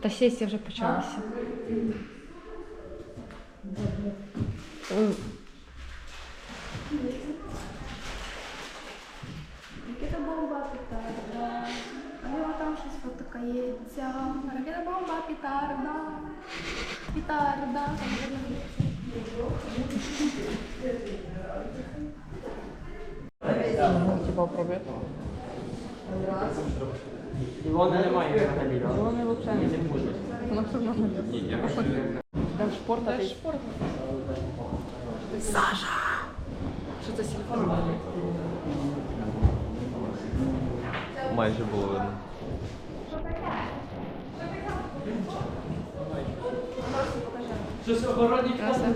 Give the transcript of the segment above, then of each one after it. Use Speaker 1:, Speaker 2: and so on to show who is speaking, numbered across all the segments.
Speaker 1: Фотосесія вже почалася.
Speaker 2: Ракета бомба петарда, а там щось потикається. Ракета бомба петарда, петарда.
Speaker 1: Типа пробує.
Speaker 3: Ілона немає взагалі.
Speaker 1: Вони взагалі не будуть. Вона все одно не буде. Там шпорт, а ти? Шпорт. Саша! Що це телефон?
Speaker 4: Майже було видно.
Speaker 3: Щось оборонні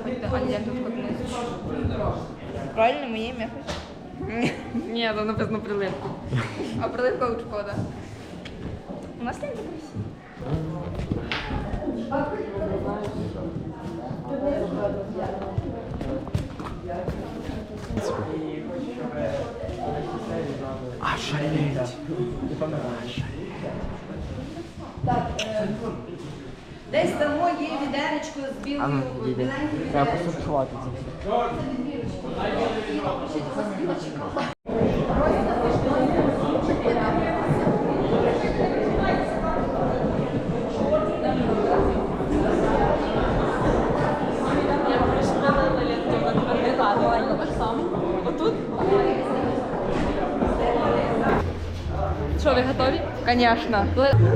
Speaker 1: Правильно, моє ім'я хоч? Ні, там написано приливка. А приливка у шкода. У нас не красиво.
Speaker 4: А шалеть!
Speaker 5: Десь дамо їй відеречко з білою біленькою.
Speaker 3: Треба посушувати це все.
Speaker 1: Що, ви готові? Звісно.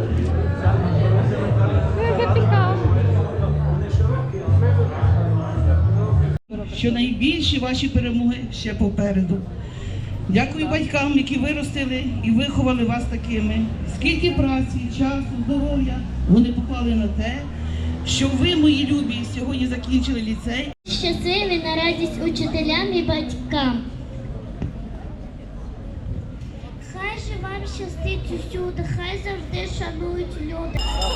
Speaker 6: Що найбільші ваші перемоги ще попереду. Дякую батькам, які виростили і виховали вас такими. Скільки праці, часу, здоров'я вони поклали на те, щоб ви, мої любі, сьогодні закінчили ліцей.
Speaker 7: Щасливі на радість учителям і батькам. Хай же вам щастить усюди, хай завжди шанують люди.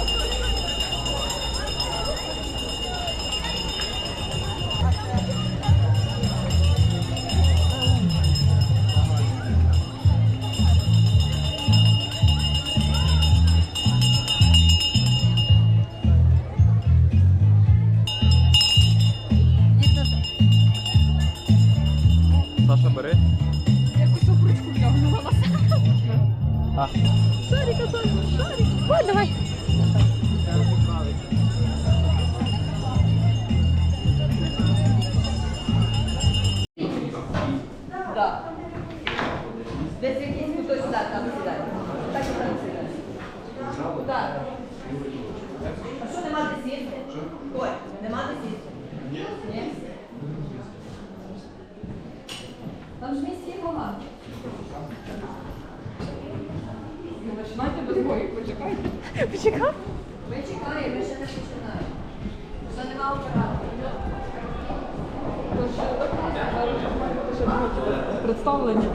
Speaker 4: Саша, бери.
Speaker 1: Якусь обручку втягнула на себе. Шарика, шарик. Ой, давай.
Speaker 5: Так. Десь якийсь хтось сюди, там сідає. Так і там сідає. Так. А що, нема де сісти? Ой, нема де сісти? Ні. Там ж місць є багато.
Speaker 1: Починайте без бою, почекайте. Почекай.
Speaker 5: Ми чекаємо, ми ще не починаємо. Вже нема оператора.
Speaker 1: Представлення.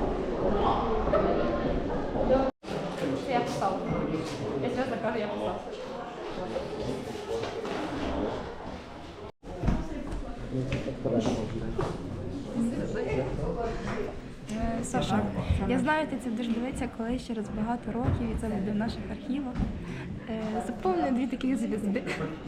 Speaker 1: Я писала. Я чесно кажу, я писала.
Speaker 2: Саша, я знаю, ти це будеш дивитися колись через багато років, і це буде в наших архівах. Заповнюю дві таких звізди.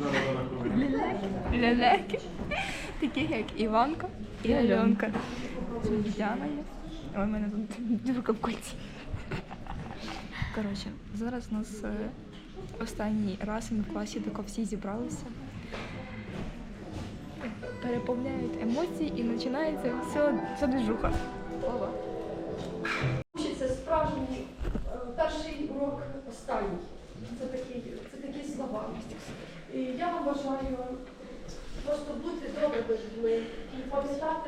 Speaker 2: Лелеки. Таких як Іванка і Альонка. Діана є. Ой, в мене тут дюрка в кольці. Коротше, зараз у нас останній раз, і ми в класі тако всі зібралися. Переповняють емоції і починається вся движуха. Ова.
Speaker 8: Це справжній перший урок останній. Це такі слова. І я вам бажаю просто бути добрими людьми і пам'ятати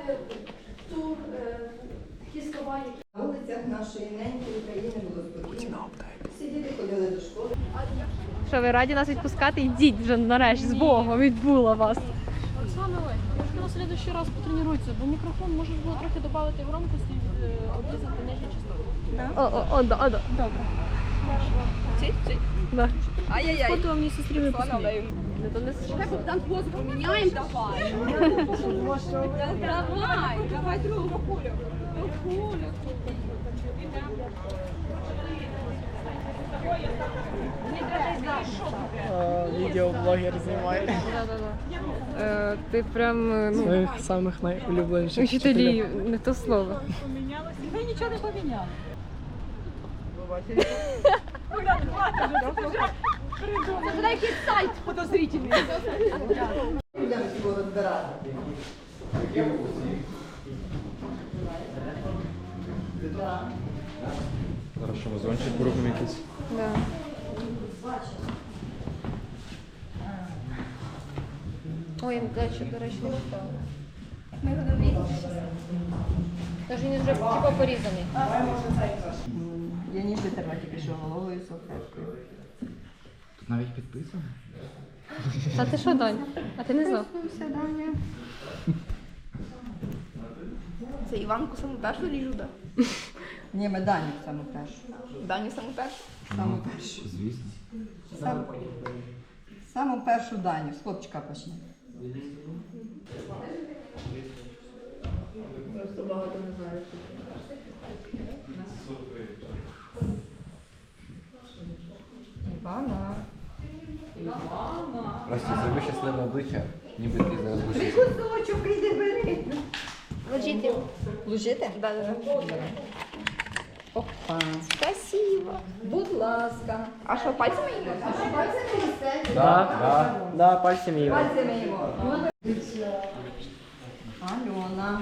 Speaker 8: такі слова, які
Speaker 5: На вулицях нашої ненької України було спокійно. Всі діти ходили до школи.
Speaker 1: Що, ви раді нас відпускати? Йдіть вже нарешті, з Богом, відбула вас.
Speaker 8: Оксана, можна на следующий раз потренуйтеся, бо мікрофон можеш було трохи додати громкості, обрізати нижні частоти.
Speaker 1: Добре. Чуть-чуть.
Speaker 8: Да.
Speaker 1: Ай-яй-яй.
Speaker 8: Фото мені сестрі випустили.
Speaker 1: Давай, давай другу кулю.
Speaker 3: Відеоблогер знімає
Speaker 8: Ти прям, ну,
Speaker 3: своїх самих найулюбленіших
Speaker 8: вчителі, не то слово.
Speaker 5: Ви нічого не поміняли. Це якийсь сайт подозрительний. Будемо його розбирати.
Speaker 4: Зараз що, вазончик робимо якийсь?
Speaker 8: Да. Ой, дальше, до речі, не встала.
Speaker 1: Ми готові.
Speaker 8: Тож він вже типа порізаний.
Speaker 5: Я ніж витерла тільки що головою салфеткою.
Speaker 4: Тут навіть підписано.
Speaker 8: Та ти що, Дань? А ти не знав?
Speaker 1: Це Іванку саму першу ріжу, так?
Speaker 5: Ні, ми Даню саму першу.
Speaker 1: Даню саму першу.
Speaker 5: Саму першу.
Speaker 4: Звісно.
Speaker 5: Саму першу Даню. З хлопчика почне. Просто багато не знаю. Івана.
Speaker 4: Прости, зроби щасливе обличчя, ніби ти зараз будеш.
Speaker 5: Кусочок, іди бери.
Speaker 1: Ложіть.
Speaker 5: Лужити?
Speaker 1: Да.
Speaker 5: Опа.
Speaker 1: Спасибо.
Speaker 5: Будь ласка.
Speaker 1: А що, пальцями їдемо?
Speaker 3: Да, пальцем її.
Speaker 5: Пальцями його. Альона.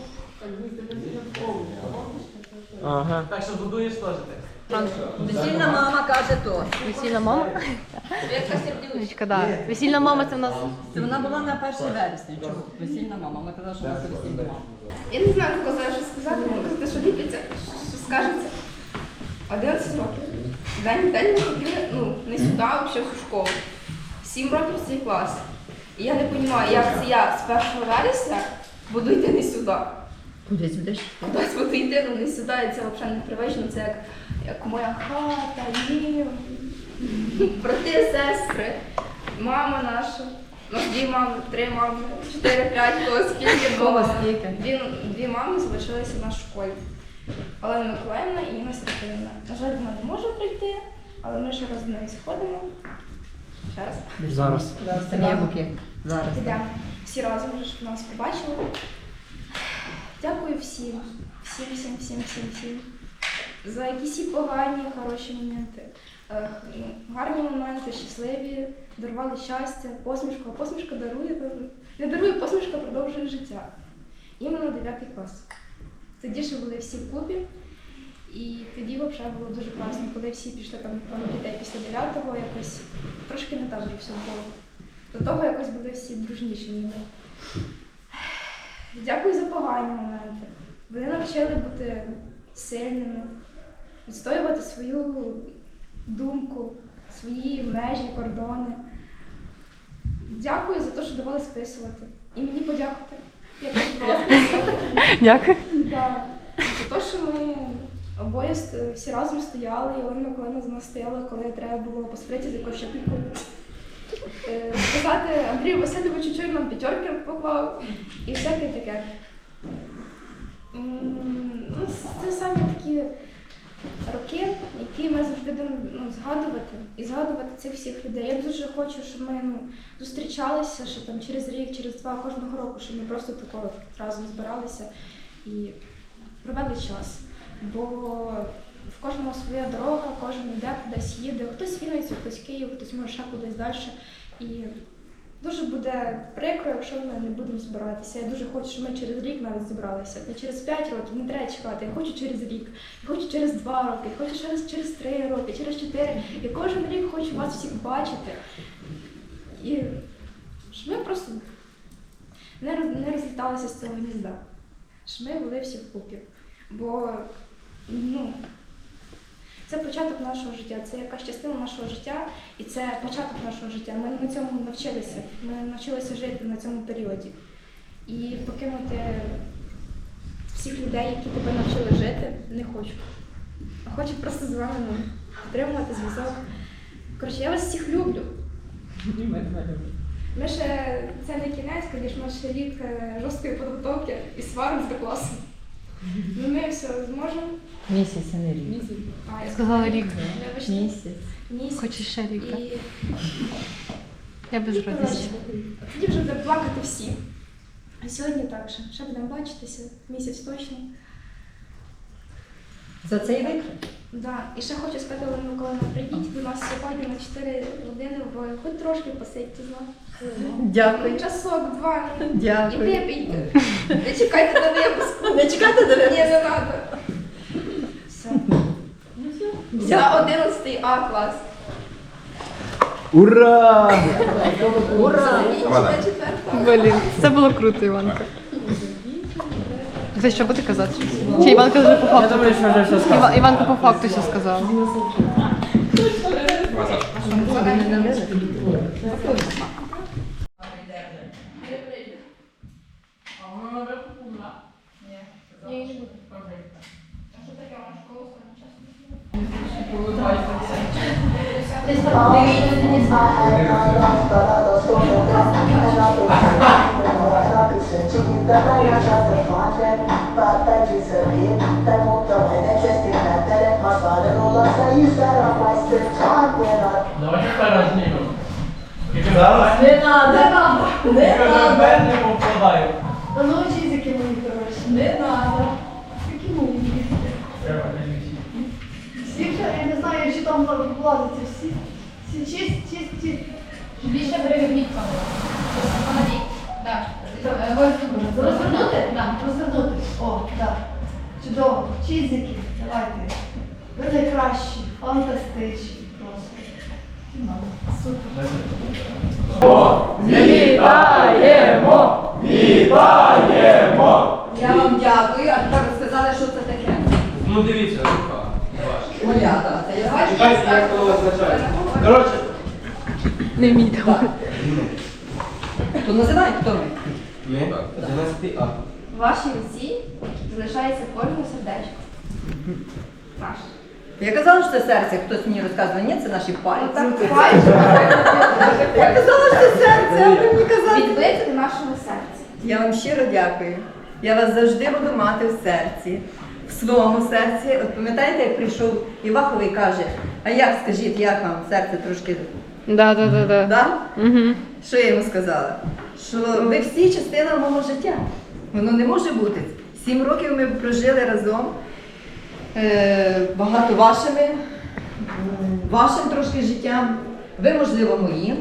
Speaker 3: Ага.
Speaker 5: Весільна мама каже то.
Speaker 8: Весільна мама? Вічка, да. Весільна мама це в нас.
Speaker 5: Це вона була на 1 вересня. Чого? Весільна мама. Ми казали, що вона весільна мама.
Speaker 1: Я не знаю, хто знає, що сказати, можу казати, що ліпиться, що скажеться. 11 років. День не ходили, ну, не сюди, а взагалі в школу. 7 років в цей клас. І я не розумію, як це я з 1 вересня буду йти не сюди.
Speaker 5: Кудись будеш?
Speaker 1: Кудись буду йти, ну не сюди, і це взагалі непривично, це як моя хата, дім, брати, сестри, мама наша. У нас 2 мами, 3 мами, 4, 5, кого скільки
Speaker 5: Кого
Speaker 1: було.
Speaker 5: скільки?
Speaker 1: 2 мами залишилися в нашій школі. Олена Миколаївна і Інна Сергіївна. На жаль, вона не може прийти, але ми ще раз до неї сходимо. Ще раз.
Speaker 3: Зараз.
Speaker 5: Зараз.
Speaker 1: Підемо. Всі разом вже щоб нас побачили. Дякую всім. Всім. За якісь і погані, хороші моменти. Гарні моменти, щасливі, дарували щастя, посмішку. А посмішка дарує, не дарує, посмішка продовжує життя. Іменно 9 клас. Тоді ще були всі вкупі. І тоді взагалі було дуже класно, коли всі пішли там дітей після 9-го, якось трошки не так все було. До того якось були всі дружніші ніби. Дякую за погані моменти. Вони навчили бути сильними, відстоювати свою думку, свої межі, кордони. Дякую за те, що давали списувати. І мені подякувати. Я теж давала списувати.
Speaker 8: Дякую.
Speaker 1: Да. За те, що ми обоє всі разом стояли, і Олена Миколаївна за нас стояла, коли треба було посваритися з якоюсь щепікою. Сказати Андрію Васильовичу, що він нам 5 поклав і всяке таке. Ну, це саме такі роки, які ми завжди будемо згадувати і згадувати цих всіх людей. Я дуже хочу, щоб ми зустрічалися, що там через рік, через 2 кожного року, щоб ми просто такого разом збиралися і провели час. Бо в кожного своя дорога, кожен йде кудись їде, хтось Вінницю, хтось Київ, хтось може ще кудись далі. І дуже буде прикро, якщо ми не будемо збиратися. Я дуже хочу, щоб ми через рік навіть зібралися. Не через 5 років, не треба чекати. Я хочу через рік, я хочу через 2 роки, я хочу через 3 роки, через 4. Я кожен рік хочу вас всіх бачити. І щоб ми просто не розліталися з цього гнізда. Щоб ми були всі вкупі. Бо, це початок нашого життя, це якась частина нашого життя, і це початок нашого життя. Ми на цьому навчилися, ми навчилися жити на цьому періоді. І покинути всіх людей, які тебе навчили жити, не хочу. А хочу просто з вами підтримувати зв'язок. Коротше, я вас всіх люблю. Ми ще, це не кінець, звісно, ще рік жорсткої підготовки і сварок з класом. Ну, ми все зможемо.
Speaker 5: Місяць, а не рік.
Speaker 1: А, я
Speaker 2: Сказала рік.
Speaker 1: Вибачте.
Speaker 5: Місяць.
Speaker 2: Хочеш ще рік, так?
Speaker 1: І
Speaker 2: Я без радості.
Speaker 1: коротше, тоді вже будемо плакати всі. А сьогодні так ще будемо бачитися, місяць точно.
Speaker 5: За цей рік?
Speaker 1: Да. І ще хочу сказати, Олена Миколаївна, прийдіть до нас сьогодні на 4 години, бо хоч трошки посидьте з нами.
Speaker 5: Дякую.
Speaker 1: Часок, два. І
Speaker 5: Дякую.
Speaker 1: випийте. Не чекайте на випуску.
Speaker 5: Не чекайте до
Speaker 1: Ні,
Speaker 5: мене.
Speaker 1: не треба. Все. За 11 А клас.
Speaker 4: Ура!
Speaker 5: Ура!
Speaker 1: На 4.
Speaker 2: Блін, це було круто, Іванка. Ти що буде казати? Чи Іванка вже по
Speaker 3: Я
Speaker 2: факту?
Speaker 3: думаю, що вже все сказано.
Speaker 2: Іванка по факту все сказала.
Speaker 5: Не надо! Не надо!
Speaker 7: Та ну чизики мої хороші.
Speaker 5: Не надо!
Speaker 7: Які мої чизики? Всі вже, я не знаю, чи там влазиться всі. Всі чисті.
Speaker 8: Більше переверніть камеру. Помогіть. Так.
Speaker 7: Розвернути? Так, розвернути. О, так. Чудово. Чизики, давайте. Ви найкращі, фантастичні просто. Супер.
Speaker 5: Я вам дякую, а тепер сказали, що це таке.
Speaker 4: Ну дивіться, рука.
Speaker 5: Моя, це я бачу.
Speaker 4: Чекайте, як воно означає. Коротше,
Speaker 2: Не вмійте.
Speaker 5: То називай, хто ми.
Speaker 4: ми 11 А.
Speaker 1: В вашій руці залишається кожне сердечко. Наше.
Speaker 5: Я казала, що це серце, хтось мені розказував, ні, це наші пальці.
Speaker 1: Отак пальчик
Speaker 5: Я казала, що це серце, а ви мені казали.
Speaker 1: відбити до нашого серця.
Speaker 5: Я вам щиро дякую. Я вас завжди буду мати в серці, в своєму серці. От пам'ятаєте, як прийшов Іваховий і каже, а як, скажіть, як вам серце трошки,
Speaker 2: Да.
Speaker 5: да?
Speaker 2: Угу.
Speaker 5: Що я йому сказала? Що ви всі частина мого життя. Воно не може бути. 7 років ми прожили разом. Багато вашим трошки життям. Ви, можливо, моїм.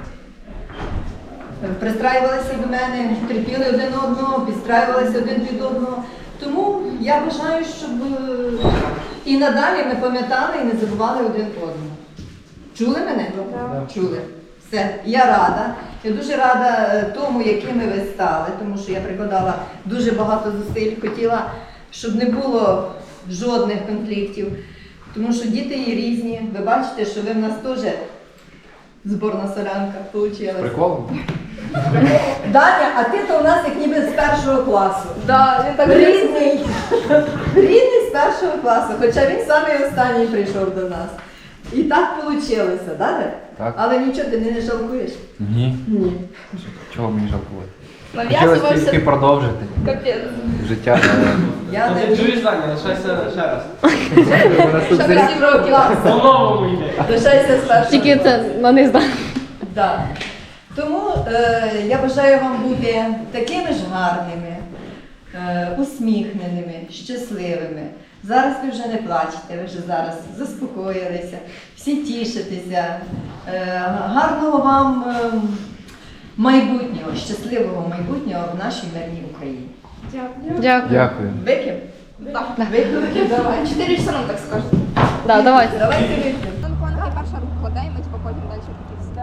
Speaker 5: Пристраювалися до мене, терпіли один одного, підстраювалися один під одного. Тому я бажаю, щоб і надалі ми пам'ятали і не забували один одного. Чули мене? Чули. Все, я рада. Я дуже рада тому, якими ви стали, тому що я прикладала дуже багато зусиль, хотіла, щоб не було жодних конфліктів, тому що діти є різні. Ви бачите, що ви в нас теж зборна солянка вийшла.
Speaker 4: Прикол?
Speaker 5: Даня, а ти то у нас як ніби з першого класу.
Speaker 1: Да, він так
Speaker 5: Рідний. Рідний з першого класу, хоча він самий останній прийшов до нас. І так вийшло, да?
Speaker 4: Так.
Speaker 5: Але нічого, ти не жалкуєш?
Speaker 4: Ні.
Speaker 5: Ні.
Speaker 4: Чого мені жалкувати?
Speaker 1: нав'язувався.
Speaker 4: Хотілося тільки продовжити
Speaker 1: Капець.
Speaker 4: життя.
Speaker 5: Я не
Speaker 3: Чуєш, Даня, лишайся ще раз.
Speaker 1: Ще 7 років.
Speaker 3: По-новому йде.
Speaker 5: лишайся з першого.
Speaker 2: Тільки це на них здає.
Speaker 5: Да. Тому я бажаю вам бути такими ж гарними, усміхненими, щасливими. Зараз ви вже не плачете, ви вже зараз заспокоїлися, всі тішитеся. Гарного вам майбутнього, щасливого майбутнього в нашій мирній Україні.
Speaker 1: Дякую.
Speaker 2: Дякую.
Speaker 4: Дякую.
Speaker 5: Вип'ємо?
Speaker 1: Так.
Speaker 5: Вип'ємо, давай.
Speaker 1: 4 часа нам так скажете.
Speaker 2: Да, давайте.
Speaker 5: Давайте вип'ємо.
Speaker 1: Антонки перша руку кладе, і ми потім далі покіпся.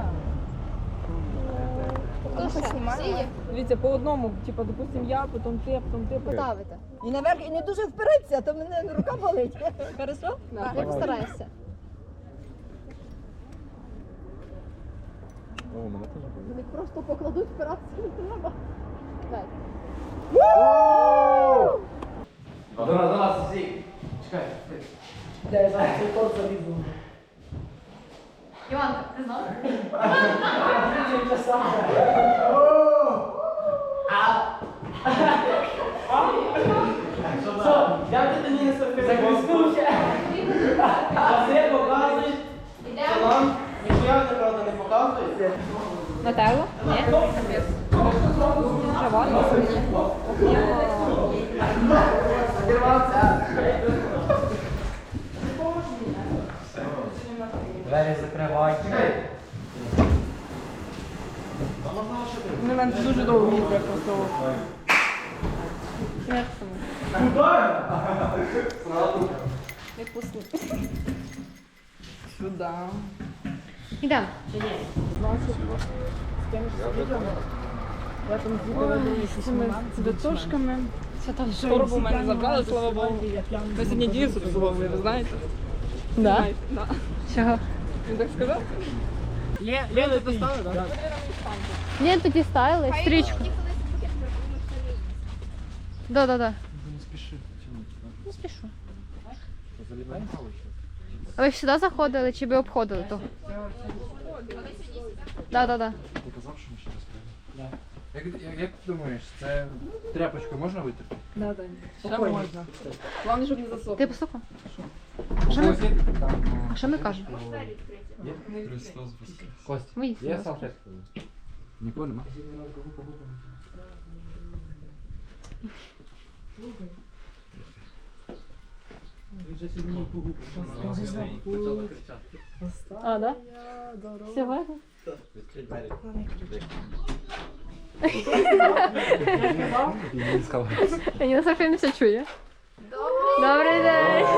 Speaker 1: Хто знімає?
Speaker 8: Дивіться, по одному, типу, допустим, я, потім ти,
Speaker 5: Ставите. І наверх, і не дуже впереться, а то мене рука болить. Хорошо?
Speaker 8: Я постараюся.
Speaker 7: Просто покладуть впиратися не треба.
Speaker 3: До нас, всі. Чекай.
Speaker 5: Я зараз цей код залізу.
Speaker 3: Як ти мені не закрискнувся? Василь показує. Салам. Ніхуя неправда не показує.
Speaker 2: Нателло? Ні.
Speaker 4: Двері закривай.
Speaker 8: Вони мене дуже довго їздять просто. Як саме? Не пусти. Сюди.
Speaker 2: Ідемо.
Speaker 8: Я там з цими цвіточками. Торбу в мене забрали, слава Богу. Ми сьогодні дійсно обслуговували, ви знаєте?
Speaker 2: Да?
Speaker 8: Да.
Speaker 2: Чого?
Speaker 8: Він так сказав?
Speaker 3: Лена, ти стали, так?
Speaker 2: Ні, тоді ставили стрічку. Да. Не спішу. А ви сюди заходили чи ви обходили того? Да.
Speaker 4: Як ти думаєш, це тряпочкою можна витерти?
Speaker 8: Да. Ще можна. Головне, щоб не засохло.
Speaker 2: Ти послухав? А що ми кажемо?
Speaker 4: Кость,
Speaker 2: Ми
Speaker 4: є
Speaker 2: їх
Speaker 4: салфетка? Нікого нема?
Speaker 8: А, да? Сьогодні?
Speaker 4: Він сказав.
Speaker 2: Я не Софія не все чує. Добрий день.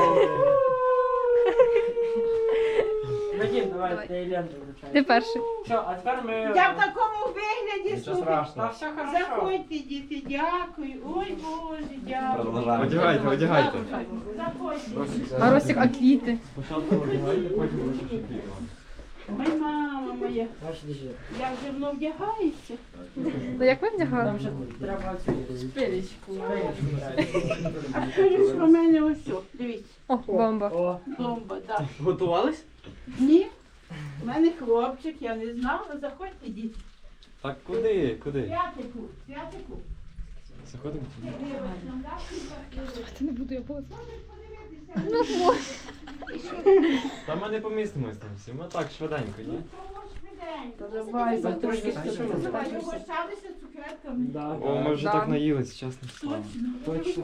Speaker 3: Вадим, давай, ти ленту вручай.
Speaker 2: Ти перший.
Speaker 3: Що, а тепер ми...
Speaker 6: Я в такому вигляді
Speaker 4: Нічого
Speaker 6: слухаю.
Speaker 4: страшного.
Speaker 3: все хорошо.
Speaker 6: Заходьте, діти, дякую. Ой, Боже, дякую.
Speaker 4: Продовжаємо.
Speaker 9: Одягайте.
Speaker 6: Заходьте.
Speaker 2: А Ростик, а квіти?
Speaker 9: Спочатку одягайте, потім вишивки квіти.
Speaker 6: Ой, мама моя,
Speaker 3: Наш діжир.
Speaker 6: я вже воно вдягається.
Speaker 2: Ну як ви вдягали?
Speaker 3: Там вже треба цю
Speaker 6: Спилечку.
Speaker 3: спилечку.
Speaker 6: А скажіть, що в мене ось, о, дивіться,
Speaker 2: О, бомба.
Speaker 3: О,
Speaker 6: бомба, так.
Speaker 3: готувались?
Speaker 6: Ні, в мене хлопчик, я не знала, заходьте, діти.
Speaker 9: Так куди?
Speaker 6: Святику.
Speaker 9: Заходимо.
Speaker 2: Не буду я було.
Speaker 9: Та ми не помістимось там всі, ми так швиденько, ні?
Speaker 3: Давай, бо трошки спішимо.
Speaker 6: Пригощалися цукерками.
Speaker 3: Да.
Speaker 9: О, ми вже так наїлись, чесно.
Speaker 6: Точно.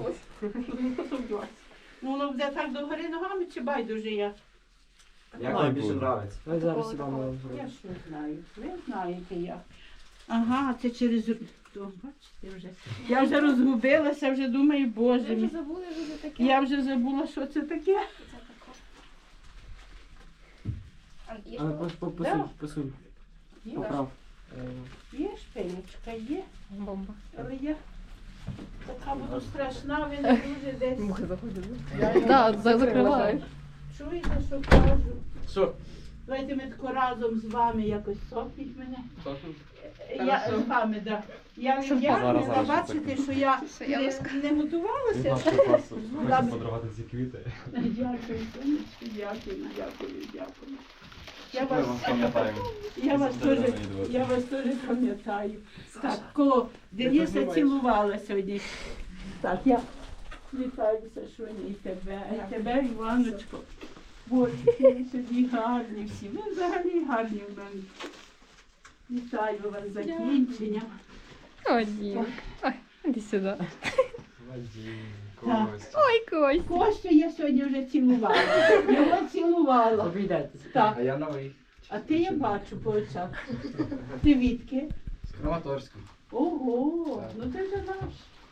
Speaker 6: Ну, воно буде так догори ногами чи байдуже я?
Speaker 9: Як вам більше
Speaker 4: нравиться?
Speaker 3: Ми зараз сюди маємо
Speaker 6: Я
Speaker 3: зробити.
Speaker 6: що знаю, ви знаєте як. Ага, це через... О, бачите вже. Я вже розгубилася, вже думаю, боже мій.
Speaker 1: забули вже таке.
Speaker 6: Я вже забула, що це таке.
Speaker 3: Але посунь, посунь. Поправ.
Speaker 6: Є шпилечка, є.
Speaker 2: Бомба.
Speaker 6: Але я така буду страшна, ви не дуже десь.
Speaker 2: Мухи заходять. Так, закриваю.
Speaker 6: Чуєте, що кажу?
Speaker 3: Що?
Speaker 6: Давайте ми тако разом з вами якось сопніть мене. Я з вами, так. Я не вдягнена,
Speaker 9: Зараз,
Speaker 6: бачите, що я не готувалася.
Speaker 9: Хочемо подарувати ці квіти.
Speaker 6: Дякую, сонечко, дякую.
Speaker 9: Пам'ятаємо.
Speaker 6: Я вас теж пам'ятаю. Так, коло Дениса цілувала сьогодні. Так, я вітаюся, Шоні, і тебе, Іваночко. Боже, ви сьогодні гарні всі. Ви взагалі гарні в мене. Вітаю вас з закінченням.
Speaker 2: О, Дім. Ой, іди сюди.
Speaker 9: Кость.
Speaker 2: Ой, Кость.
Speaker 6: Костю я сьогодні вже цілувала. Його цілувала.
Speaker 3: Обійдете.
Speaker 6: Так,
Speaker 4: А я новий.
Speaker 6: а ти я бачу по очах. Ти відки?
Speaker 4: З Краматорська.
Speaker 6: Ого, ну ти вже наш.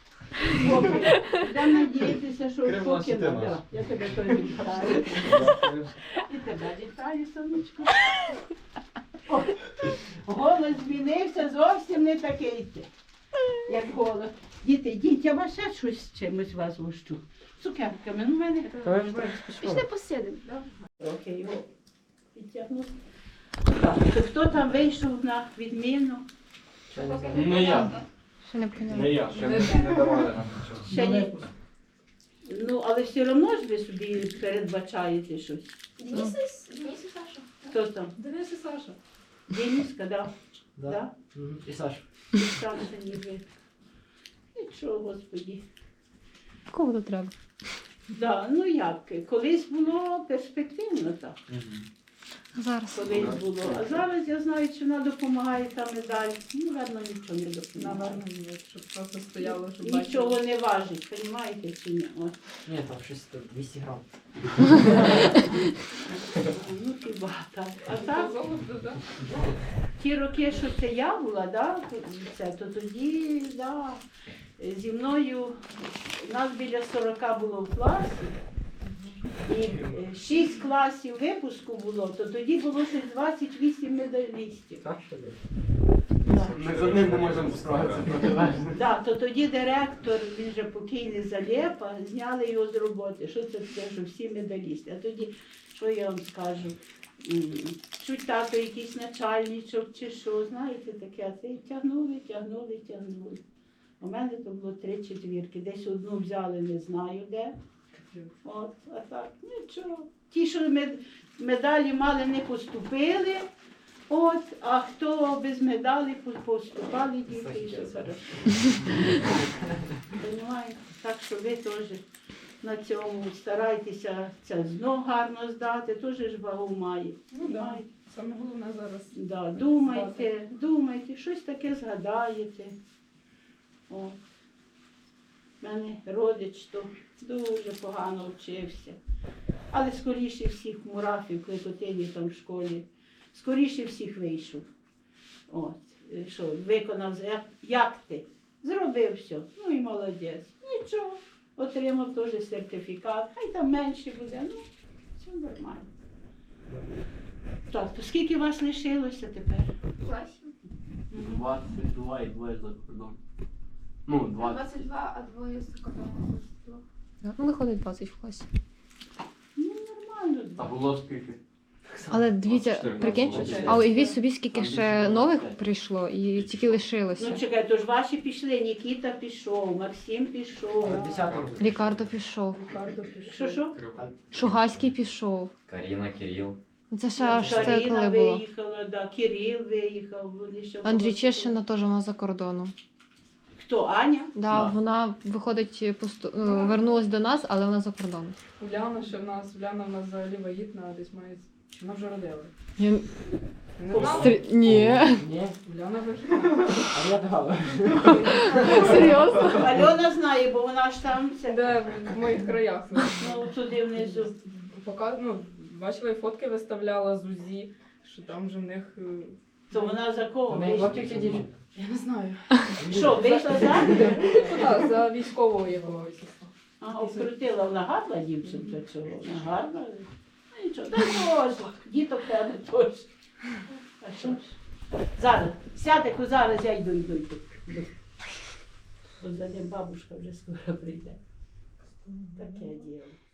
Speaker 6: Я надіятися, що
Speaker 9: Крим наш,
Speaker 6: поки
Speaker 9: і ти
Speaker 6: не.
Speaker 9: наш.
Speaker 6: Я тебе теж вітаю. І тебе вітаю, сонечко. О, голос змінився, зовсім не такий, як голос. Діти, йдіть, я вас ще щось з чимось вас гощу. Цукерками, ну в мене.
Speaker 3: То ви вже так
Speaker 1: Пішли
Speaker 3: спішили.
Speaker 1: посидимо.
Speaker 6: Трохи його підтягну. Так, то хто там вийшов на відміну?
Speaker 3: Не я.
Speaker 2: Ще не поняла.
Speaker 3: Не я.
Speaker 4: Ще не давали нам нічого.
Speaker 6: Ще ні. Ну, але все одно ж ви собі передбачаєте щось.
Speaker 1: Денис і Саша.
Speaker 6: Хто там?
Speaker 8: Денис і Саша.
Speaker 6: Дениска, да?
Speaker 3: Да.
Speaker 6: Да?
Speaker 3: Мгм. І Саша.
Speaker 6: І Саша ніби. Нічого, Господі.
Speaker 8: Кого тут треба?
Speaker 6: Да, ну як, колись було перспективно так.
Speaker 2: Зараз.
Speaker 6: Колись було. А зараз я знаю, що вона допомагає та медаль. Ну, ладно, нічого не допомагає.
Speaker 8: Наверно, ні, щоб просто стояло, щоб
Speaker 6: Нічого не важить, розумієте чи ні? От.
Speaker 3: Ні, там щось там 200 грам.
Speaker 6: Ну хіба так. А так,
Speaker 8: Золото, да?
Speaker 6: ті роки, що це я була, да, то тоді, да, зі мною, нас біля 40 було в класі, і 6 класів випуску було, то тоді було щось 28 медалістів.
Speaker 9: Так що ли?
Speaker 6: Да.
Speaker 9: Ми з одним не можемо справитися протилежно.
Speaker 6: Да, то тоді директор, він же покійний Залєпа, зняли його з роботи. Що це таке, що всі медалісти? А тоді, що я вам скажу, чуть тато якийсь начальничок чи що, знаєте, таке, а це і тягнули. У мене то було 3 четвірки, десь одну взяли, не знаю де. От, а так, нічого. Ті, що медалі мали, не поступили. От, а хто без медалі поступали, діти, і все хорошо. Понимаєте? Так що ви теж на цьому старайтеся це знов гарно здати, теж ж вагу має.
Speaker 8: Ну да.
Speaker 6: Понімаєте?
Speaker 8: Саме головне зараз.
Speaker 6: Да, думайте, щось таке згадаєте. О. У мене родич то дуже погано вчився. Але скоріше всіх в Мурафі, в Кликотині там в школі, скоріше всіх вийшов. От, що, виконав, як ти? Зробив все. Ну і молодець. Нічого. Отримав теж сертифікат. Хай там менше буде, ну, все нормально. Так, то скільки вас лишилося тепер?
Speaker 1: Класів.
Speaker 10: 22 і 2 за кордон. Ну, 20.
Speaker 1: 22, а двоє з кордону.
Speaker 8: Ну, виходить 20 в класі.
Speaker 6: Ну, нормально.
Speaker 10: А було скільки?
Speaker 11: Але дивіться,
Speaker 10: 14
Speaker 11: прикинь,
Speaker 10: було.
Speaker 11: а уявіть собі, скільки ще нових прийшло і тільки лишилося.
Speaker 6: Ну чекай, то ж ваші пішли, Нікіта пішов, Максим пішов.
Speaker 3: 10-го.
Speaker 11: Рікардо пішов,
Speaker 6: Що?
Speaker 11: Шугаський пішов.
Speaker 9: Каріна, Кирил.
Speaker 11: Це ще аж це
Speaker 6: Каріна
Speaker 11: коли було.
Speaker 6: виїхала, да, Кирил виїхав. Вони ще
Speaker 11: Андрій
Speaker 6: були.
Speaker 11: Чешина теж вона за кордоном.
Speaker 6: Хто, Аня?
Speaker 11: Да, вона виходить, вернулась до нас, але вона за кордоном.
Speaker 8: Уляна ще в нас, Уляна в нас взагалі вагітна, десь має, чи вона вже родила?
Speaker 11: Я...
Speaker 8: Не знала?
Speaker 11: Ні.
Speaker 3: Ні,
Speaker 8: Уляна вагітна.
Speaker 3: а я дала.
Speaker 11: Серйозно?
Speaker 6: Альона знає, бо вона ж там, це,
Speaker 8: Де в моїх краях.
Speaker 6: ну, туди внизу.
Speaker 8: Ну, бачила, і фотки виставляла з УЗІ, що там вже в них...
Speaker 6: То вона за кого?
Speaker 3: У неї хлопчик чи дівчинка?
Speaker 8: Я не знаю.
Speaker 6: Що, вийшла за?
Speaker 8: Ну так, за військового якогось.
Speaker 6: А, обкрутила, вона гарна дівчинка цього, вона гарна. Ну нічого, дай Боже, діток тебе теж. А що ж? Зараз, сядь, зараз я йду. От за ним бабушка вже скоро прийде. Таке діло.